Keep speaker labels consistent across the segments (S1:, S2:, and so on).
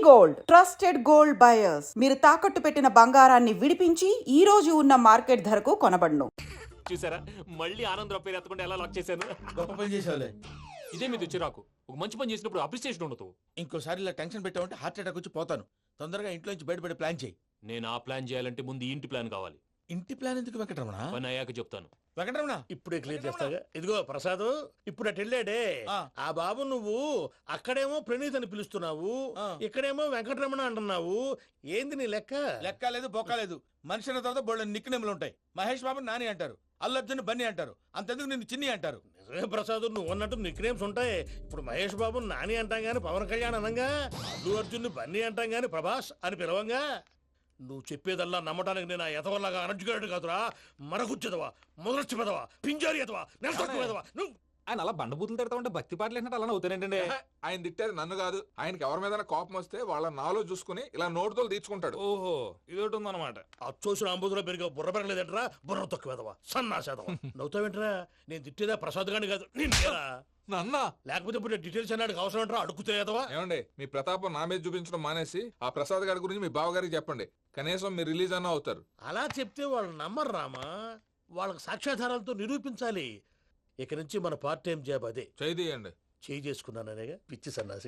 S1: Gold trusted gold buyers మీరు తాకట్టు పెట్టిన బంగారాన్ని విడిపించి ఈ రోజు ఉన్న మార్కెట్ ధరకు కొనబడును.
S2: చూసారా మళ్ళీ ఆనందరావు పేరు ఎత్తకుండా ఎలా లాక్ చేశాను.
S3: గొప్ప పని చేసావులే.
S2: ఇదే మీద చిరాకు. ఒక మంచి పని చేసినప్పుడు అప్రిసియేషన్ ఉండదు.
S3: ఇంకోసారి ఇలా టెన్షన్ పెట్టామంటే హార్ట్ అటాక్ వచ్చి పోతాను. తొందరగా ఇంట్లో నుంచి బయటపడే ప్లాన్ చేయి.
S2: నేను ఆ ప్లాన్ చేయాలంటే ముందు ఇంటి ప్లాన్ కావాలి.
S3: ఇంటి ప్లాన్ ఎందుకు వెంకటరమణ?
S2: పని అయ్యాక చెప్తాను.
S3: వెంకటరమణ
S4: ఇప్పుడే క్లియర్ చేస్తాగా. ఇదిగో ప్రసాద్, ఇప్పుడు అటు వెళ్ళాడే ఆ బాబు, నువ్వు అక్కడేమో ప్రణీత్ అని పిలుస్తున్నావు, ఇక్కడేమో వెంకటరమణ అంటున్నావు. ఏంది నీ లెక్క?
S3: లెక్క లేదు బొక్క లేదు. మనిషి అన్న తర్వాత బోళ్ళ నిక్నెములు ఉంటాయి. మహేష్ బాబు నాని అంటారు, అల్లు అర్జున్ బన్నీ అంటారు, అంతెందుకు నిన్ను చిన్ని అంటారు.
S4: నిజమే ప్రసాద్, నువ్వు అన్నట్టు నిక్నేమ్స్ ఉంటాయి. ఇప్పుడు మహేష్ బాబు నాని అంటాం గాని పవన్ కళ్యాణ్ అనంగా, అల్లు అర్జున్ బన్నీ అంటాం గాని ప్రభాస్ అని పిలవంగా. నువ్వు చెప్పేదల్లా నమ్మటానికి నేను ఎతవల్లాగా అనర్జుకేటెడ్ కాదురా. మరగుచ్చదవా, మొదలచ్చి పెదవా, పింజారి ఎదవా, నెలసొక్కుదవా నువ్వు.
S5: ఆయన అలా బండబూతులు తిడతా ఉంటే భక్తి పాటలు ఏంటంటే అలా అవుతానంటే.
S6: ఆయన తిట్టేది నన్ను కాదు. ఆయనకి ఎవరి మీద కోపం వస్తే వాళ్ళ నాలో చూసుకుని ఇలా నోటుతో తీర్చుకుంటాడు.
S5: ఓహో ఇదొకటి ఉందన్నమాట.
S4: అచ్చోసిన అంబుధులో పెరిగే బుర్ర పెరగలేదంటరా, బుర్ర తొక్కువేదవా, సన్నాసేదవా. నవ్వుతావేంట్రా? నేను తిట్టేదా ప్రసాద్ గాని కాదు నిన్నేరా.
S6: నన్నా
S4: లేకపోతే ఇప్పుడు డీటెయిల్స్ అన్నాడు అవసరం అంటారా? అడుగుతాయేదవా.
S6: ఏమండి, మీ ప్రతాపం నా మీద చూపించడం మానేసి ఆ ప్రసాద్ గారి గురించి మీ బావగారికి చెప్పండి. కనీసం మీరు రిలీజ్ అన్న అవుతారు.
S4: అలా చెప్తే వాళ్ళు నమ్మరు రామా. వాళ్ళకి సాక్ష్యాధారాలతో నిరూపించాలి. ఇక నుంచి మన పార్ట్ టైం జాబ్ అదే.
S6: చేయండి.
S4: చేయి చేసుకున్నాననేగా పిచ్చి సన్నాసి.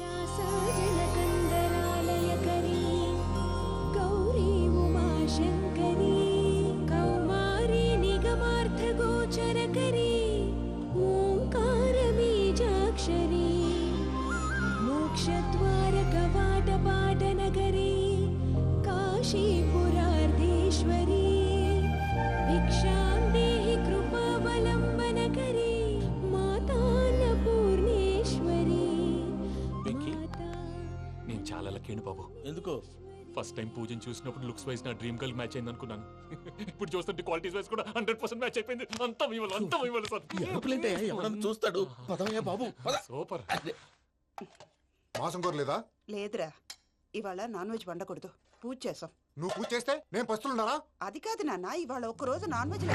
S2: చాలా లక్కీ బాబు.
S4: ఎందుకు?
S2: ఫస్ట్ టైం పూజను చూసినప్పుడు లుక్స్ వైజ్ నా డ్రీమ్ గర్ల్ మ్యాచ్ అయింది అనుకున్నాను. ఇప్పుడు చూస్తుంటే క్వాలిటీస్ వైజ్ కూడా 100% మ్యాచ్ అయిపోయింది. అంతా మీ వల్ల సార్.
S4: ఎవడన్నా చూస్తాడు. పదవయ్యా బాబు.
S2: సూపర్.
S7: మాసం కోరలేదా?
S8: లేదురా, ఇవాళ నాన్ వెజ్ వండకూడదు. పూజ చేసాం.
S7: నువ్వు పూజ చేస్తే నేను పస్తులున్నారా?
S8: అది కాదు నాన్న, ఇవాళ ఒక్క రోజు నాన్ వెజ్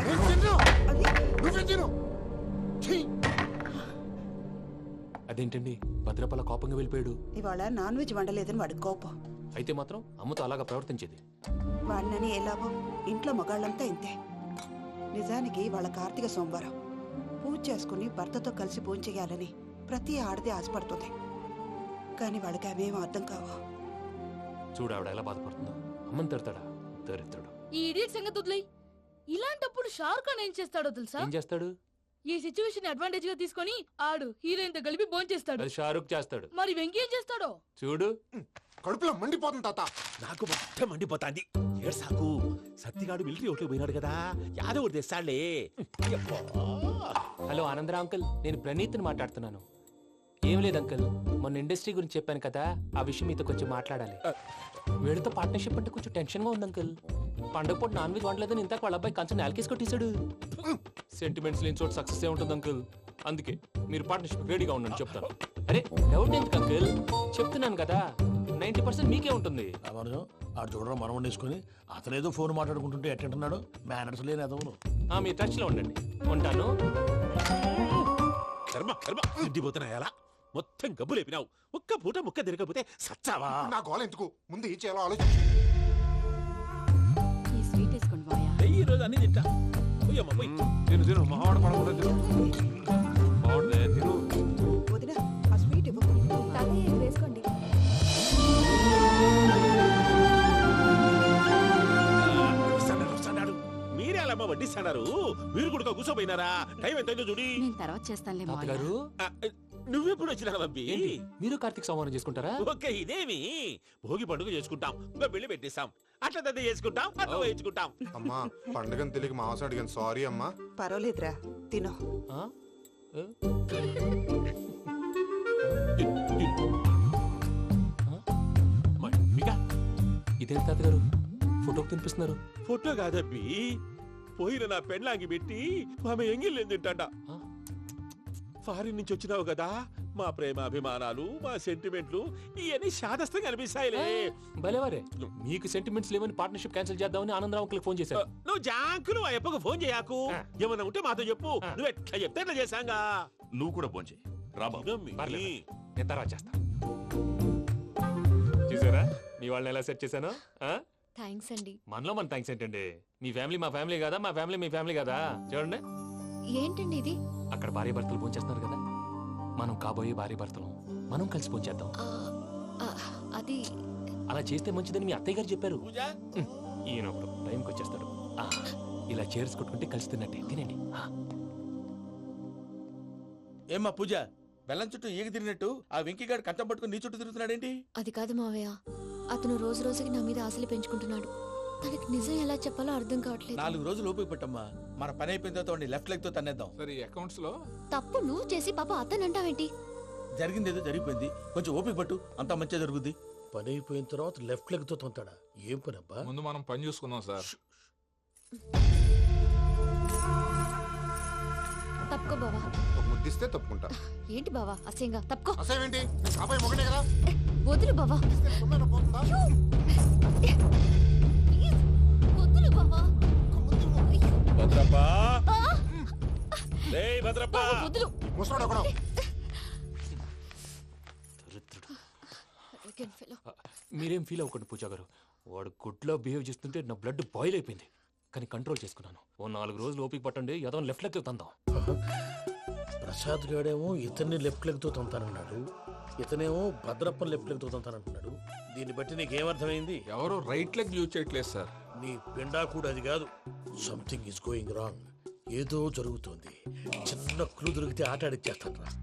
S2: అదేంటండి భద్రపల కోపంగా వెళ్ళిపోయాడు?
S8: ఇవాళ నాన్ వెజ్ వండలేదని వాడి కోపం.
S2: అయితే మాత్రం అమ్మతో అలాగా ప్రవర్తించేది.
S8: వాడినని ఎలాగో ఇంట్లో మగాళ్ళంతా ఇంతే. నిజానికి వాళ్ళ కార్తీక సోమవారం పూజ చేసుకుని భర్తతో కలిసి పూజ చేయాలని ప్రతి ఆడది ఆశపడుతుంది. కానీ వాడికి అవేం అర్థం కావు.
S2: చూడు ఆవిడ ఎలా బాధపడుతుందో. అమ్మని తిడతాడా? దరిద్రుడు.
S9: ఈ ఇడియట్ సంగతి వదిలేయ్. ఇలాంటప్పుడు షారుఖ్ ఖాన్ ఏం చేస్తాడో తెలుసా?
S2: ఏం చేస్తాడు?
S9: ఈ సిచ్యువేషన్ అడ్వాంటేజ్ గా తీసుకొని ఆడు హీరోయిన్ తో కలిపి బోన్ చేస్తాడు.
S2: అది షారుఖ్ చేస్తాడు.
S9: మరి వెంకీ ఏం చేస్తాడో
S2: చూడు.
S7: కడుపులో మండిపోతుంది తాత.
S10: నాకు మొత్తం మండిపోతాంది. ఏడు సాకు సత్తిగాడు మిలిటరీ ఓట్లు పోయినాడు కదా, యాదవ్ ఒకటి తెస్తాడులే.
S2: హలో ఆనందరా అంకుల్, నేను ప్రణీత్ని మాట్లాడుతున్నాను. ఏం లేదు అంకుల్, మొన్న ఇండస్ట్రీ గురించి చెప్పాను కదా, ఆ విషయం మీతో కొంచెం మాట్లాడాలి. వీడితో పార్ట్నర్షిప్ అంటే కొంచెం టెన్షన్ గా ఉంది అంకుల్. పండగ పూట నాన్ వెజ్ వండలేదని ఇంతకు వాళ్ళ అబ్బాయి కంచెం నేలకేసి కొట్టేశాడు. సెంటిమెంట్స్ లేని చోట సక్సెస్ ఏ ఉంటుంది అంకుల్. అందుకే మీరు పార్ట్నర్షిప్ రెడీగా ఉండండి చెప్తాను. అరే డౌట్ ఎందుకు అంకుల్, చెప్తున్నాను కదా 90% మీకే ఉంటుంది.
S4: ఆడు చూడడం మనం వండేసుకుని అతనేదో ఫోన్ మాట్లాడుకుంటుంటే ఎట్టంటున్నాడు. మేనర్స్ లేని అదవును.
S2: మీ టచ్ లో ఉండండి. ఉంటాను.
S10: కర్మ కర్మ తిండిపోతున్నాయా? మొత్తం గబ్బు లేపినావు. ఒక్క పూట ముక్క తిరగకపోతే సచ్చావా?
S7: నా గోల ఎందుకు, ముందు ఏం చేయాలో ఆలోచించు.
S10: ఈ రోజు అన్ని తింటా.
S6: తిను మహావాడ పడకుండా తిను. బాగుంటుంది తిను.
S8: వదిన, ఆ స్వీట్ ఇవ్వకు.
S9: వేసుకోండి.
S10: మీరే అలా వడ్డిస్తాడారు. మీరు కూడా కూర్చోపోయినారా? టైం ఎంతైందో చూడి.
S9: తర్వాత చేస్తానులే
S2: తాతగారు,
S10: నువ్వెప్పుడు వచ్చినా అబ్బి?
S2: ఏంటి మీరు కార్తీక్ సంహారం చేసుకుంటారా?
S10: ఓకే, ఇదేమి భోగి పండుగ చేసుకుంటాం, ఇంకా పెళ్లి పెట్టేస్తాం, అట్లా దద్ద చేసుకుంటాం, అట్లా వేయించుకుంటాం.
S7: అమ్మా పండుగని తెలియక మాంసం అడిగాను, సారీ అమ్మా.
S8: పర్వాలేదురా, తినో.
S2: ఇదేంటి తాతగారు ఫోటోకి తినిపిస్తున్నారు?
S10: ఫోటో కాదబ్బి, పోయిన నా పెళ్ళాంగి పెట్టి ఆమె ఎంగిల్ తింటాడ. ఫారిన్ నుంచి వచ్చినావు కదా, మా ప్రేమ అభిమానాలు, మా సెంటిమెంట్లు ఇవన్నీ శాదస్తంగా అనిపిస్తాయిలే.
S2: భలేవారే, మీకు సెంటిమెంట్స్ లేవని పార్ట్నర్షిప్ క్యాన్సిల్ చేద్దామని ఆనందరావు అంకుల్ ఫోన్ చేశారు.
S10: నువ్వు జాంకులు ఆ అప్పకు ఫోన్ చేయకు. ఏమన్నా ఉంటే మాతో చెప్పు. నువ్వు ఎట్లా చెప్తే ఎట్లా చేశాంగా.
S5: నువ్వు కూడా ఫోన్ చేయి. రా బాబు.
S2: నేను తర్వాత చేస్తా. చూసారా మీ వాళ్ళని ఎలా సెట్ చేశాను?
S9: థ్యాంక్స్ అండి.
S2: మనలో మన థ్యాంక్స్ ఏంటండి? మీ ఫ్యామిలీ మా ఫ్యామిలీ కదా, మా ఫ్యామిలీ మీ ఫ్యామిలీ కదా. చూడండి,
S9: ఏంటండి ఇది?
S2: అక్కడ భార్య భర్తలు భోంచేస్తున్నారు కదా, మనం కాబోయే భార్య భర్తలు మనం కలిసి భోంచేద్దాం.
S9: అది
S2: అలా చేస్తే మంచిదని మీ అత్తయ్య గారు చెప్పారు.
S3: పూజ
S2: ఈయన ఒకడు టైంకి వచ్చేస్తాడు. ఇలా చేర్స్ కొట్టుకుంటే కలిసి తిన్నట్టే. తినండి.
S3: ఏమ్మా పూజ, బెల్లం చుట్టూ ఈగ తిరిగినట్టు ఆ వెంకీగాడు కంచం పట్టుకుని నీ చుట్టూ తిరుగుతున్నాడేంటి?
S9: అది కాదు మావయ్య, అతను రోజు రోజుకి నా మీద ఆశలు పెంచుకుంటున్నాడు. తనకి నిజం ఎలా చెప్పాలో అర్థం కావట్లేదు.
S3: 4 రోజులు ఓపిక పట్టమ్మా, మన పని అయిపోయిన తర్వాత వాడిని లెఫ్ట్ లెగ్ తో తన్నేద్దాం.
S6: సరే ఈ అకౌంట్స్ లో
S9: తప్పు నువ్వు చేసి పాప అతను అంటావేంటి?
S3: జరిగింది ఏదో జరిగిపోయింది, కొంచెం ఓపిక పట్టు, అంతా మంచిగా జరుగుద్ది.
S4: పని అయిపోయిన తర్వాత లెఫ్ట్ లెగ్ తో తొంతాడా? ఏం పని అబ్బా?
S6: ముందు మనం పని చూసుకుందాం సార్.
S9: తప్పుకో బావా.
S7: ఒక ముద్దిస్తే తప్పుకుంటా.
S9: ఏంటి బావా అసహ్యంగా? తప్పుకో.
S7: అసేమేంటి, అబ్బాయి మొగనే కదా.
S9: వదులు బావా.
S7: ఇస్తే సొమ్మేనా పోతుందా?
S9: ప్లీజ్, వదులు బావా.
S10: భద్రప్పా భద్రప్పా
S9: బావా, వదులు.
S7: ముసలోడు ఒకడు.
S9: Arrogant fellow.
S2: మీరేం ఫీల్ అవ్వకండి పూజా గారు. వాడు గుడ్లో బిహేవ్ చేస్తుంటే నా బ్లడ్ బాయిల్ అయిపోయింది, కానీ కంట్రోల్ చేసుకున్నాను. ఓ 4 రోజులు ఓపిక పట్టండి, ఏదో లెఫ్ట్ లెగ్ తందాం.
S4: ప్రసాద్ గాడేమో ఇతన్ని లెఫ్ట్ లెగ్ తో తొంతానన్నాడు, ఇతనేమో భద్రప్పని లెఫ్ట్ లెగ్ తో తొంతానంటున్నాడు. దీన్ని బట్టి నీకేమర్థమైంది?
S6: ఎవరు రైట్ లెగ్ యూజ్ చేయట్లేదు సార్.
S4: నీ పిండా కూడా అది కాదు. Something is going wrong. ఏదో జరుగుతోంది. చిన్న క్లూ దొరికితే ఆట ఆడిచ్చేస్తాను రా.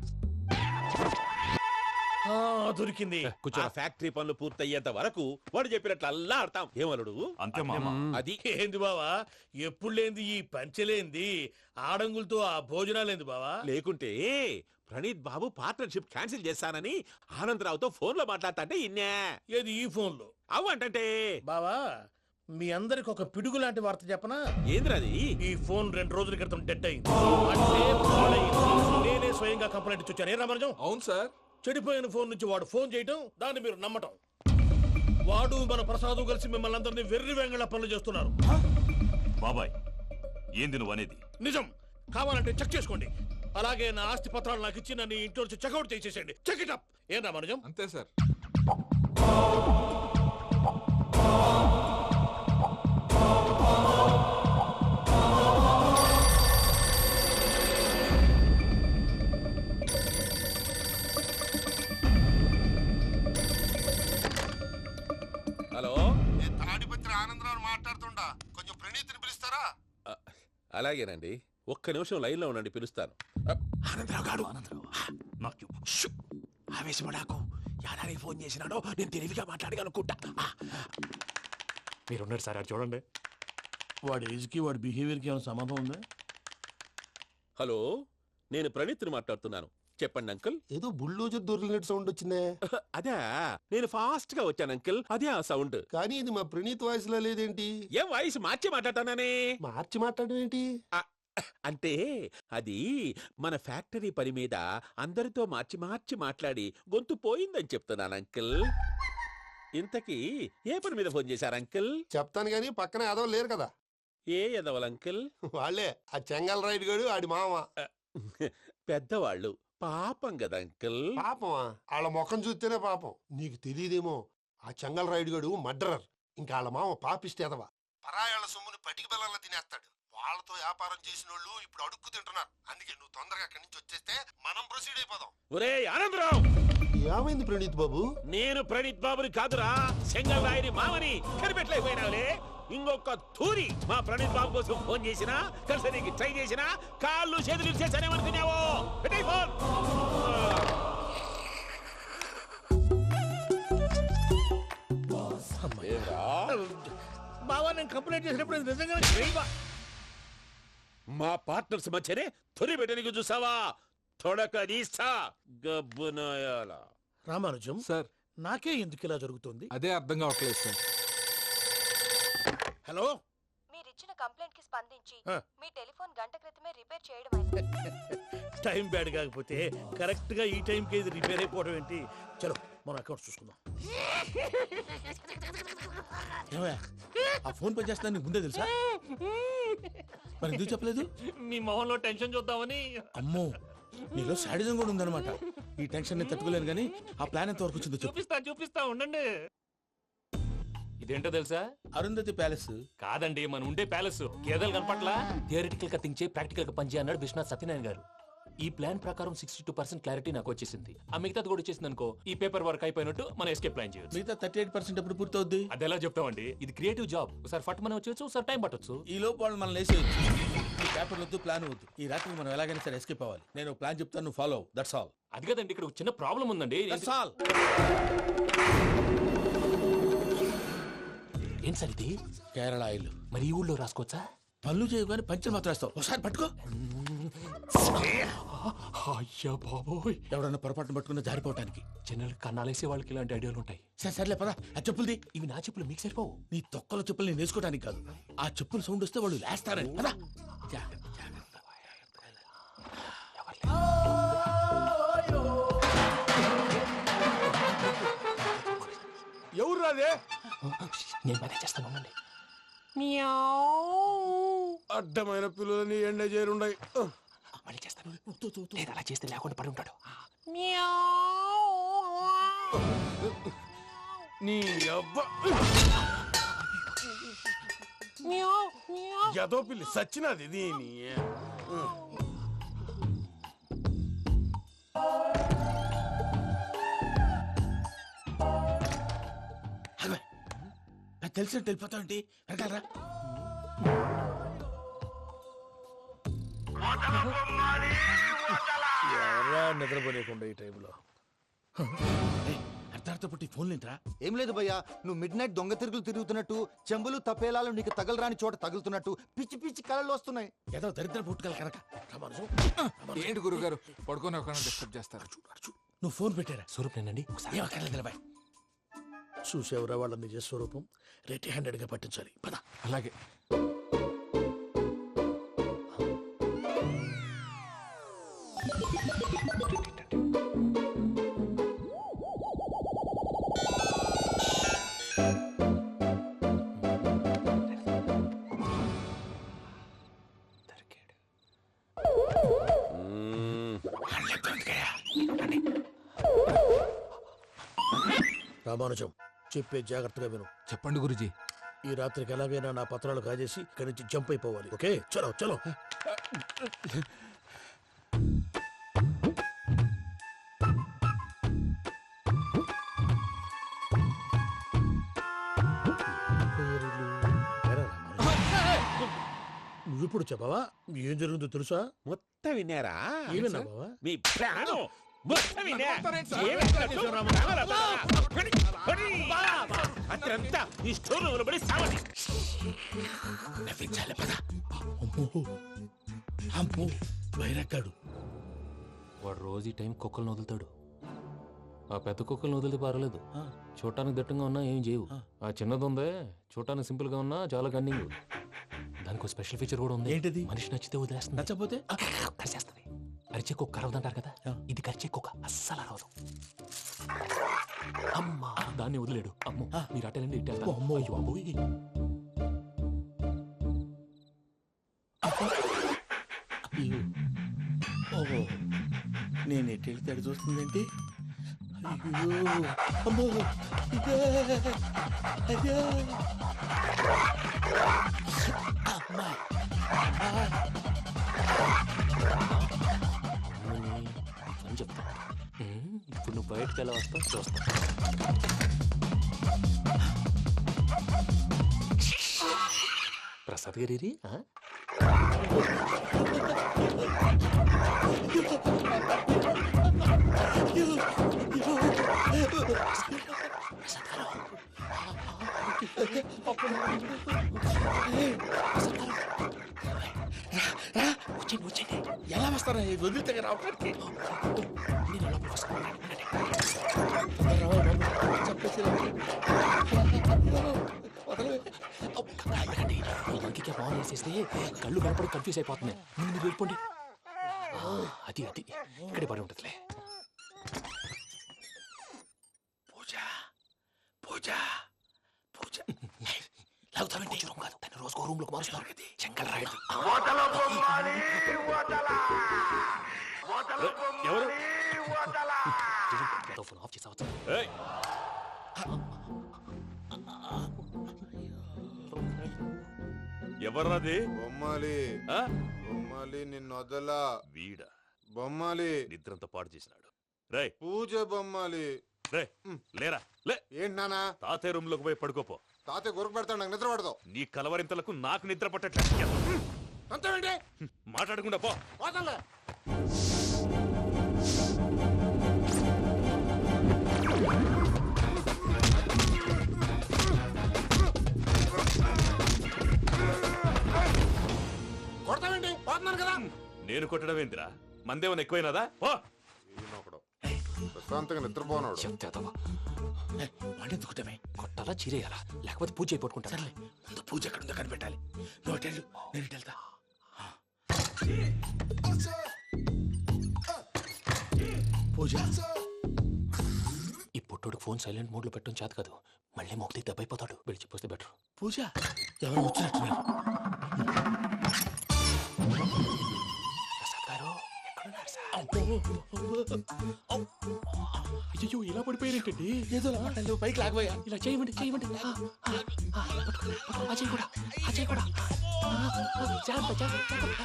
S4: దొరికింది.
S10: ఆ ఫ్యాక్టరీ పనులు పూర్తయ్యేంత వరకు వాడు చెప్పినట్లు అల్లా ఆడతాం. ఏమలుడు?
S5: అంతే మామ.
S10: అది
S4: ఏంది బావా, ఎప్పుడు లేంది ఈ పంచలేంది, ఆడంగులతో ఆ భోజనాలేంది బావా?
S10: లేకుంటే ప్రణీత్ బాబు పార్ట్నర్షిప్ క్యాన్సిల్ చేస్తానని ఆనందరావుతో ఫోన్ లో మాట్లాడతాంటే ఇన్నే.
S4: ఏది ఈ ఫోన్ లో?
S10: అవు అంటే
S4: బావా, మీ అందరికి ఒక పిడుగు లాంటి వార్త చెప్పనా?
S10: ఏంద్రది?
S4: ఈ ఫోన్ 2 రోజుల క్రితం డెడ్ అయింది. అంటే పాడైంది. నేనే స్వయంగా కంప్లైంట్ ఇచ్చి వచ్చాను. ఏ రామరాజం?
S6: అవును సార్.
S4: చెడిపోయిన ఫోన్ నుంచి వాడు ఫోన్ చేయటం, దాన్ని మీరు నమ్మటం. వాడు మన ప్రసాదు కలిసి మిమ్మల్ని అందరినీ వెర్రి వెంగళ పనులు చేస్తున్నారు.
S5: బాబాయ్, ఏంది నువ్వు అనేది?
S4: నిజం. కావాలంటే చెక్ చేసుకోండి. అలాగే నా ఆస్తి పత్రాలు నాకు ఇచ్చి నన్ను ఇంట్లో నుంచి చెక్అౌట్ చేసేసండి. Check it up. ఏం రామరాజం?
S6: అంతే సార్.
S10: హలో,
S7: నేను తాడిపత్రి ఆనందరావు మాట్లాడుతుండా, కొంచెం ప్రణీతిని పిలుస్తారా?
S10: అలాగేనండి, ఒక్క నిమిషం లైన్ లో ఉండండి, పిలుస్తాను.
S4: ఆనందరావు గాడు.
S5: నాకు చెప్పు.
S4: ఆవేశపడాకు. యాదానికి ఫోన్ చేసినాడో నేను తెలివిగా మాట్లాడగలనుకుంటా.
S2: మీరున్నారు సార్, అది చూడండి.
S4: వాడి ఏజ్కి వాడి బిహేవియర్కి ఏమైనా సంబంధం ఉందా?
S10: హలో, నేను ప్రణీత్ని మాట్లాడుతున్నాను. చెప్పండి అంకుల్.
S7: ఏదో బుల్డోజర్ దొరికినట్టు సౌండ్ వచ్చిందే.
S10: అదే, నేను ఫాస్ట్ గా వచ్చాను అంకుల్, అదే ఆ సౌండ్.
S7: కానీ ఇది మా ప్రణీత్ వాయిస్ లో లేదేంటి?
S10: ఏం వాయిస్ మార్చి మాట్లాడతాననే?
S7: మార్చి మాట్లాడడం ఏంటి?
S10: అంటే అది మన ఫ్యాక్టరీ పని మీద అందరితో మార్చి మార్చి మాట్లాడి గొంతు పోయిందని చెప్తున్నాను అంకుల్. ఇంతకీ ఏ పని మీద ఫోన్ చేశారు అంకుల్?
S7: చెప్తాను గానీ పక్కన ఏదో లేరు కదా.
S10: ఏ ఎదవలు అంకుల్?
S7: వాళ్ళే ఆ చెంగల్ రైడ్ గడు ఆడి మామ.
S10: పెద్దవాళ్ళు, పాపం కదా అంకుల్.
S7: పాపమా? వాళ్ళ ముఖం చూస్తేనే పాపం. నీకు తెలియదేమో, ఆ చెంగల్ రైడ్ గడు మర్డరర్. ఇంకా వాళ్ళ మామ పాపిస్తేదవా. పరాయాళ్ళ సొమ్ముని పటికి బెల్లంలో తినేస్తాడు. వాళ్ళతో వ్యాపారం చేసిన వాళ్ళు ఇప్పుడు అడుక్కు తింటున్నారు. అందుకే నువ్వు తొందరగా అక్కడి నుంచి వచ్చేస్తే మనం ప్రొసీడ్ అయిపోదాం.
S10: ఒరే ఆనందరావు,
S7: ఏమైంది ప్రణీత్ బాబు?
S10: నేను ప్రణీత్ బాబుని కాదురా, సెంగల్ రాయని మామని కనిపెట్టలేకపోయినావులే. ఇంకొక తూరి మా ప్రణీత్ బాబు కోసం ఫోన్ చేసినా, కలిసి నీకు ట్రై చేసినా, కాళ్ళు చేతులు చేశానేమనుకున్నావో. పెట్టేయ్ ఫోన్.
S4: బావా, నేను కంప్లైంట్ చేసినప్పుడు ఇది నిజంగా
S10: మా పార్ట్నర్స్ మధ్యనే తొలి పెట్టడానికి చూసావా? తొడక నీస్తా గబ్బునాయాల.
S4: రామానుజం
S6: సార్,
S4: నాకే ఎందుకు ఇలా జరుగుతుంది?
S6: అదే అర్థం కావట్లేదు సార్.
S4: హలో,
S9: మీరిచ్చిన కంప్లైంట్ కి స్పందించి
S4: ఆ.
S9: మీ టెలిఫోన్ గంట క్రితమే రిపేర్ చేయడం అయింది.
S4: టైం బ్యాడ్ కాకపోతే కరెక్ట్ గా ఈ టైంకి ఇది రిపేర్ అయిపోవడం ఏంటి? చలో మన అకౌంట్ చూసుకుందాం.
S3: ఏమయ్య, ఆ ఫోన్ పని చేస్తా నీకు ముందే తెలుసా? మరి ఎందుకు చెప్పలేదు?
S2: మీ మొహంలో టెన్షన్ చూద్దామని.
S3: అమ్మో, నీలో శాడిజం కూడా ఉందన్నమాట. ఈ టెన్షన్ ని తట్టుకోలేను కానీ ఆ ప్లాన్ ఎంత వరకు వచ్చిందో చెప్పు.
S2: చూపిస్తా ఉండండి. ఇదేంటో తెలుసా?
S3: అరుంధతి ప్యాలెస్.
S2: కాదండి, మన ఉండే ప్యాలెస్. గేదెలు కనపట్లా? థియరిటికల్ గా థింక్ చేయి, ప్రాక్టికల్ గా పనిచేయి అన్నాడు విశ్వనాథ్ సత్యనారాయణ గారు. ఈ ప్లాన్ ప్రకారం 62% క్లారిటీ నాకు వచ్చేసింది. ఆ మిగతాది కూడా వచ్చేసింది అనుకో, ఈ పేపర్ వర్క్ అయిపోయినట్టు మనం ఎస్కేప్ ప్లాన్ చేయొచ్చు.
S3: మిగతా 38% ఎప్పుడు పూర్తవుద్ది?
S2: అది ఎలా చెప్తామండి, ఇది క్రియేటివ్ జాబ్. ఒకసారి ఫట్ మనం వచ్చేయచ్చు, ఒకసారి టైం పట్టొచ్చు.
S3: ఈ లోపు వాళ్ళు మనం లేసేయచ్చు. ఈ పేపర్ వద్దు, ప్లాన్ వద్దు. ఈ రాత్రి మనం ఎలాగైనా సరే ఎస్కేప్ అవ్వాలి. నేను ప్లాన్ చెప్తాను, నువ్వు ఫాలో. That's all.
S2: అది కదండి, ఇక్కడ ఒక చిన్న ప్రాబ్లం ఉందండి.
S3: That's all.
S2: ఏం సార్ ఇది?
S3: కేరళ ఆయిల్.
S2: మరి ఈ ఊళ్ళో రాసుకోవచ్చా?
S3: పళ్ళు చేయగానే పంచర్ మాత్రం వేస్తావు. ఒకసారి పట్టుకో.
S2: అయ్యా బాబోయ్,
S3: ఎవడన్నా పొరపాటున పట్టుకున్న జారిపోవటానికి.
S2: జనరల్ కన్నాలేసే వాళ్ళకి ఇలాంటి ఐడియాలు ఉంటాయి.
S3: సర్లే పదా, ఆ చెప్పులది.
S2: ఇవి నా చెప్పులు, మీకు సరిపోవు.
S3: నీ తొక్కల చెప్పులు నేను వేసుకోవడానికి కాదు, ఆ చెప్పులు సౌండ్ వస్తే వాళ్ళు లేస్తారని. పదా.
S10: ఎవరు రాదే?
S2: నేను మేనేజ్ చేస్తాను, ఉండండి.
S10: అడ్డమైన పిల్లలని ఎండ చేరుండయి.
S2: మళ్ళీ చేస్తాను. లేదు, అలా చేస్తే లేకుండా పడి ఉంటాడు.
S10: నీ అబ్బ ఎదో పిల్లి సచ్చినది దీని.
S3: తెలిసినట్టు వెళ్ళిపోతావంటి. వెనకాలరా.
S4: ఎవరా నిద్రపోలేకుండా ఈ టైంలో?
S3: అర్ధార్థ పుట్టి ఫోన్ లేంట్రా.
S11: ఏం లేదు భయ్యా, నువ్వు మిడ్ నైట్ దొంగ తిరుగులు తిరుగుతున్నట్టు, చెంబులు తపేలాలు నీకు తగలరాని చోట తగులుతున్నట్టు పిచ్చి పిచ్చి కళలు వస్తున్నాయి.
S3: ఏదో దరిద్ర పుట్టుకల కనుక.
S6: ఏంటి గురుగారు పడుకొని ఒక డిస్టర్బ్ చేస్తారు?
S3: నువ్వు ఫోన్ పెట్టారా?
S2: స్వరూప్ నేనండి.
S3: ఒకసారి
S4: చూసేవరా వాళ్ళ నిజ స్వరూపం. రెట్టి హ్యాండెడ్ గా పట్టించాలి. పద.
S6: అలాగే.
S4: రామానుజం, చెప్పే జాగ్రత్తగా విను.
S6: చెప్పండి గురుజీ.
S4: ఈ రాత్రికి ఎలాగైనా నా పత్రాలు కాజేసి ఇక్కడి నుంచి జంప్ అయిపోవాలి. ఓకే, చలో చలో. నువ్విప్పుడు చెప్పవా ఏం జరుగుతుందో తెలుసా?
S10: మొత్తం విన్నారా?
S4: ఏమన్నా బావా?
S10: మీ ప్రాణం మొత్తం విన్నా. అత్రంతా ఈ స్టోర్ రూమ్ లో పడి సావని.
S3: నవ్వించాలి. పద. అమ్మో వైరక్కాడు.
S2: వాడు రోజు ఈ టైం కుక్కలను వదులుతాడు. ఆ పెద్ద కుక్కలను వదిలితే పర్వాలేదు, చూడటానికి దట్టంగా ఉన్నా ఏం చేయవు. ఆ చిన్నది ఉందే, చూడటానికి సింపుల్ గా ఉన్నా చాలా గన్నింగ్. దానికి స్పెషల్ ఫీచర్ కూడా ఉంది.
S3: ఏంటిది?
S2: మనిషి నచ్చితే వదిలేస్తుంది,
S3: నచ్చపోతే
S2: కరిచేస్తుంది. అరిచే కుక్క అరవదంటారు కదా, ఇది కరిచే కుక్క అస్సలు అరవదు. అమ్మా, దాన్ని వదిలేడు. అమ్మో, మీరు అటెండి ఇటు వెళ్తారు. అమ్మో, అయ్యో అబ్బోయ్.
S3: ఓహో, నేను ఎటు వెళ్తే అటు చూస్తుందేంటి? అయ్యో అమ్మో, ఇదే అయ్యో అమ్మా.
S2: అని చెప్తా. ఇప్పుడు నువ్వు బయటకు ఎలా వస్తావు చూస్తా. ప్రసాద్ గారి
S3: వచ్చేయండి. ఎలా వస్తారా? వదిలితే రావడానికి
S2: నేను లోపల వస్తాను.
S3: చెప్పేసి
S2: ఇంకే బాగా వేసేస్తే కళ్ళు కనపడి కన్ఫ్యూజ్ అయిపోతున్నాయి. మీరు వెళ్ళిపోండి. అది అది ఇక్కడే పడి ఉంటుందిలే.
S3: పూజ పూజ పూజ
S2: లాగుతామంటే రూమ్ కాదు, దాన్ని రోజుకో రూమ్ లోకి మారుస్తున్నారు. చెంకల్ రాయడం.
S10: ఎవరు?
S2: Phone off చేసావచ్చు.
S10: ఎవర్రాది
S12: బొమ్మాలి
S10: ఆ?
S12: బొమ్మాలి నిన్ను వదలా
S10: వీడ
S12: బొమ్మాలి
S10: నిద్రంతా పాడు చేసినాడు. రే
S12: పూజ బొమ్మాలి
S10: రే లేరా లే.
S12: ఏంటి నానా
S10: తాతయ్య రూమ్ లోకి పోయి పడుకోపో.
S12: తాతయ్య గురకు పెడతాడు నాకు నిద్ర పడతావు
S10: నీ కలవరింతలకు నాకు నిద్ర పట్టట్లేదు.
S12: అంతేంటి
S10: మాట్లాడకుండా పో.
S12: పోతాలే కొడతావేంటి పోతున్నాను కదా
S10: నేను కొట్టడం ఏంటిరా? మందేమన్నా ఎక్కువైనదా? పో.
S12: ఈయనొకడు ప్రశాంతంగా నిద్రపోనాడు
S2: వాడెందుకుంటామే కొట్టాలా చీరేయాలా లేకపోతే పూజ అయిపోట్టుకుంటా. సర్లే ముందు పూజ ఎక్కడ ఉందో కనిపెట్టాలి. నువ్వు వెళ్ళు, నేను ఇటు వెళ్తా. పూజ ఈ పుట్టోడు ఫోన్ సైలెంట్ మోడ్ లో పెట్టడం చేత కాదు. మళ్ళీ మొక్కి దెబ్బైపోతాడు. వెళ్ళి చెప్పొస్తే బెటర్. పూజ ఎవరు వచ్చినట్టున్నారు. ప్రసాద్ గారు ఎక్కడున్నారు సార్? అయ్యో ఇలా పడిపోయారేంటండి? ఏదో పైకి లాగబోయా. ఇలా చేయమండి చేయమండి. అజయ్ కూడా అజయ్ కూడా జాగ్రత్త జాగ్రత్త.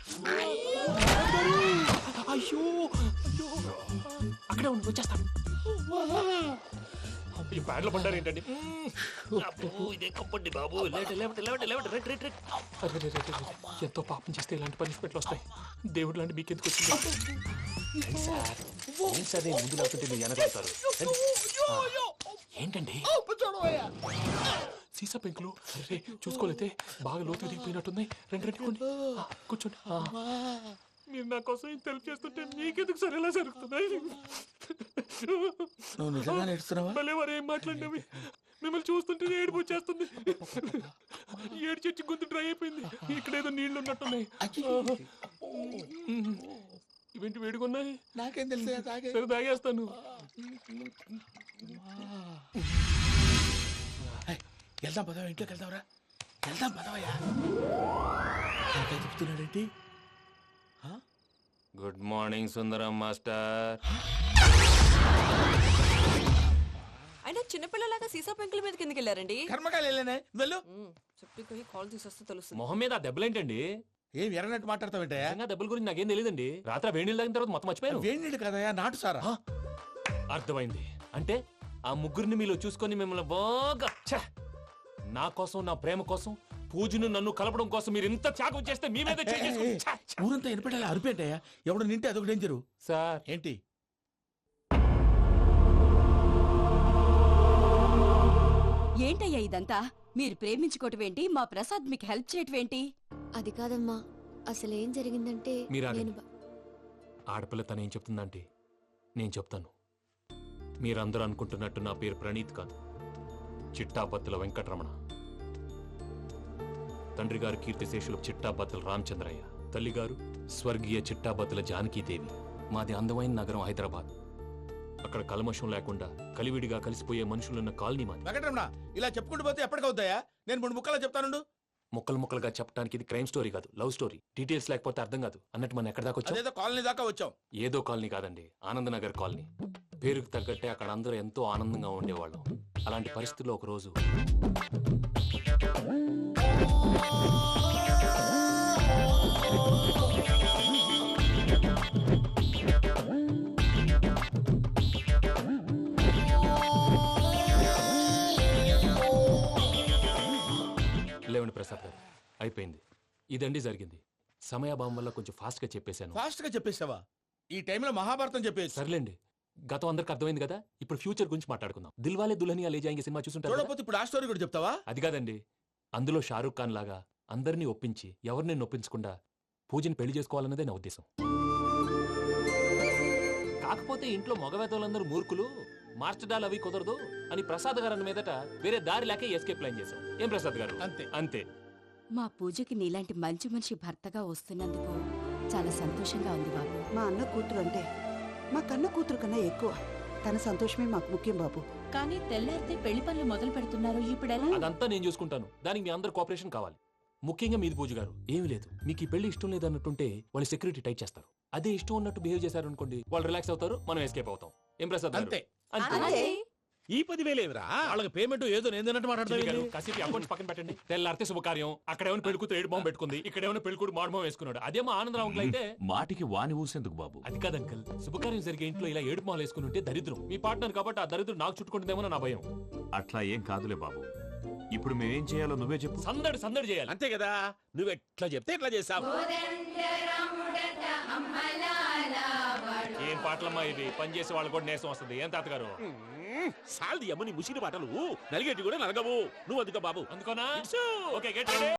S2: అయ్యో అయ్యో అక్కడే ఉండి వచ్చేస్తాను. ఈ బ్యాడ్లో పడ్డారు ఏంటండి? ఎంతో పాపం చేస్తే ఇలాంటి పనిష్మెంట్లు వస్తాయి. దేవుడు లాంటి మీకెందుకు వచ్చింది? ఏం సార్ నేను ముందు లేకుంటే మీరు వెనకాడతారు. ఏంటండి సీసా పెంకులు? అరే చూసుకోలేతే బాగా లోతుగా దిగిపోయినట్టున్నాయి. రెండు రెండు కూర్చోండి. మీరు నా కోసం ఇంత హెల్ప్ చేస్తుంటే మీకెందుకు సరే ఎలా జరుగుతున్నాయి? నువ్వు నిజంగా నేర్చుతున్నావా? భలే వారు ఏం మాట్లాడినవి. మిమ్మల్ని చూస్తుంటే ఏడుపు వచ్చేస్తుంది. ఏడు చెట్టు గొంతు డ్రై అయిపోయింది. ఇక్కడ ఏదో నీళ్లు ఉన్నట్టున్నాయి. ఇవేంటి వేడుకున్నాయి? నాకేం తెలుసు. సరే తాగేస్తాను. వెళ్దాం పదవా, ఇంట్లోకి వెళ్దాంరా. వెళ్దాం పదవయ్యా. చెప్తున్నాడేంటి? Good morning Sundaram master.
S13: అయినా చిన్నపిల్లలాగా సీసా పెంకుల మీద కిందకి వెళ్ళారండి.
S3: కర్మకాయలు వెళ్ళానే వెళ్ళు.
S13: చెప్పి కాల్ తీసేస్తే తెలుస్తుంది.
S2: మొహం మీద ఆ దెబ్బలేంటండి?
S3: ఏం ఎర్రనట్టు మాట్లాడతావేంటయ్యా?
S2: దెబ్బల గురించి నాకేం తెలియదండి. రాత్రి వేడి నీళ్ళు తాగిన తర్వాత మొత్తం మర్చిపోయాను.
S3: వేడి నీళ్ళు కదయ్యా, నాటు సారా.
S2: అర్థమైంది. అంటే ఆ ముగ్గురిని మీలో చూసుకొని మిమ్మల్ని బాగా నా కోసం నా ప్రేమ కోసం పూజను నన్ను కలపడం కోసం మీరు ఇంత త్యాగం చేస్తే మీ మీద
S3: ఊరంతా వినపడేలా అరిపేంటయ్యా. ఎవడు నింటే అదొక డేంజరు.
S2: సార్
S3: ఏంటి
S13: ఏంటయ్యా ఇదంతా? మీరు ప్రేమించుకోవటం ఏంటి? మా ప్రసాద్ మీకు హెల్ప్ చేయటం ఏంటి?
S9: అది కాదమ్మా, అసలు ఏం జరిగిందంటే
S2: మీరు
S9: నేను
S2: ఆడపిల్ల తను ఏం చెప్తుందంటే నేను చెప్తాను. మీరందరూ అనుకుంటున్నట్టు నా పేరు ప్రణీత్ కాదు, చిట్టాబత్తుల వెంకటరమణ. తండ్రి గారు కీర్తిశేషులు చిట్టాబత్తుల రామచంద్రయ్య, తల్లిగారు స్వర్గీయ చిట్టాబత్తుల జానకీదేవి. మాది అందమైన నగరం హైదరాబాద్. అక్కడ కల్మషం లేకుండా కలివిడిగా కలిసిపోయే మనుషులున్న కాలనీ మాది.
S3: వెంకటరమణ ఇలా చెప్పుకుంటూ పోతే ఎప్పటికవుతాయా? నేను 3 ముక్కలా చెప్తానుండు.
S2: ముక్కలు ముక్కలుగా చెప్పడానికి ఇది క్రైమ్ స్టోరీ కాదు, లవ్ స్టోరీ. డీటెయిల్స్ లేకపోతే అర్థం కాదు. అన్నట్టు మనం ఎక్కడ దాకా వచ్చాం?
S3: అదేదో కాలనీ దాకా వచ్చాం.
S2: ఏదో కాలనీ కాదండి, ఆనందనగర్ కాలనీ. పేరుకు తగ్గట్టే అక్కడ అందరూ ఎంతో ఆనందంగా ఉండేవాళ్ళం. అలాంటి పరిస్థితుల్లో ఒక రోజు లేవండి ప్రసాద్ గారు, అయిపోయింది. ఇదండి జరిగింది. సమయాభావం వల్ల కొంచెం ఫాస్ట్ గా చెప్పేశాను.
S3: ఫాస్ట్ గా చెప్పేసావా? ఈ టైంలో మహాభారతం చెప్పేసి.
S2: సర్లేండి, గతం అందరికి అర్థమైంది కదా. ఇప్పుడు ఫ్యూచర్ గురించి మాట్లాడుకుందాం. దిల్వాలే దుల్హనియా లే జాయేంగే సినిమా చూసుంటారు.
S3: చూడకపోతే ఇప్పుడు ఆ స్టోరీ కూడా చెప్తావా?
S2: అది కాదండి, అందులో షారూక్ ఖాన్ లాగా అందరినీ ఒప్పించి ఎవరిని నొప్పించకుండా పూజని పెళ్లి చేసుకోవాలన్నదే నా ఉద్దేశం. కాకపోతే ఇంట్లో మగవేతలందరూ మూర్ఖులు, మార్చడాలు అవి కుదరదు అని ప్రసాద్ గారు అన్న మీదట వేరే దారి లేక ఎస్కేప్ ప్లాన్ చేశాం. ఏం ప్రసాద్ గారు?
S3: అంతే
S2: అంతే.
S13: మా పూజకి నీలాంటి మంచి మనిషి భర్తగా వస్తున్నందుకు చాలా సంతోషంగా ఉంది బాబు.
S8: మా అన్న కూతురు అంటే మా కన్న కూతురు కన్నా ఎక్కువ. తన సంతోషమే మాకు ముఖ్యం బాబు.
S13: కానీ తెల్లారితే పెళ్లి పనులు మొదలు పెడుతున్నారు. ఇప్పుడెలా?
S2: అదంతా నేను చూసుకుంటాను. దానికి మీ అందరు కోఆపరేషన్ కావాలి. ముఖ్యంగా మీది పూజ గారు. ఏమీ లేదు, మీకు ఈ పెళ్లి ఇష్టం లేదన్నట్టుంటే వాళ్ళు సెక్యూరిటీ టైట్ చేస్తారు. అదే ఇష్టం ఉన్నట్టు బిహేవ్ చేశారు అనుకోండి, వాళ్ళు రిలాక్స్ అవుతారు, మనం ఎస్కేప్ అవుతాం. ఏం ప్రసాద్ గారు?
S3: అంతే.
S2: అంతే.
S10: ఈ 10,000 ఏమిరా?
S4: వాళ్ళకి పేమెంట్ ఏదో నేను తిన్నట్టు
S2: చిన్ని గారు,
S4: మాట్లాడతాను.
S2: కాసేపు అకౌంట్స్ పక్కన పెట్టండి. తెల్లారితే శుభకార్యం, అక్కడేమో పెళ్ళికూతురు ఏడు మొహం పెట్టుకుంది, ఇక్కడేమో పెళ్ళికూడు మాడు మొహం వేసుకున్నాడు. అదేమో ఆనందరావు అంకుల్ అయితే
S5: మాటికి వాని ఊసేందుకు బాబు?
S2: అది కాదు అంకుల్, శుభకార్యం జరిగే ఇంట్లో ఇలా ఏడు మొహలు వేసుకుని ఉంటే దరిద్రం. మీ పార్ట్నర్ కాబట్టి ఆ దరిద్రం నాకు చుట్టుకుంటుందేమో నా భయం.
S5: అట్లా ఏం కాదులే బాబు. ఇప్పుడు మేమేం చేయాలో నువ్వే చెప్పు.
S2: సందడి సందడి చేయాలి.
S10: అంతే కదా, నువ్వు ఎట్లా చెప్తే ఎట్లా చేసావు.
S2: ఏం పాటలమ్మా ఇవి, పని చేసే వాళ్ళు కూడా నేసం వస్తుంది. ఏం తాతగారు?
S10: సాల్ది అమ్మ నీ ముసిరి పాటలు నలిగేటి కూడా నలగవు. నువ్వు అందుకో బాబు.
S2: అందుకోనా?
S10: ఇట్సు.
S2: Okay, get ready.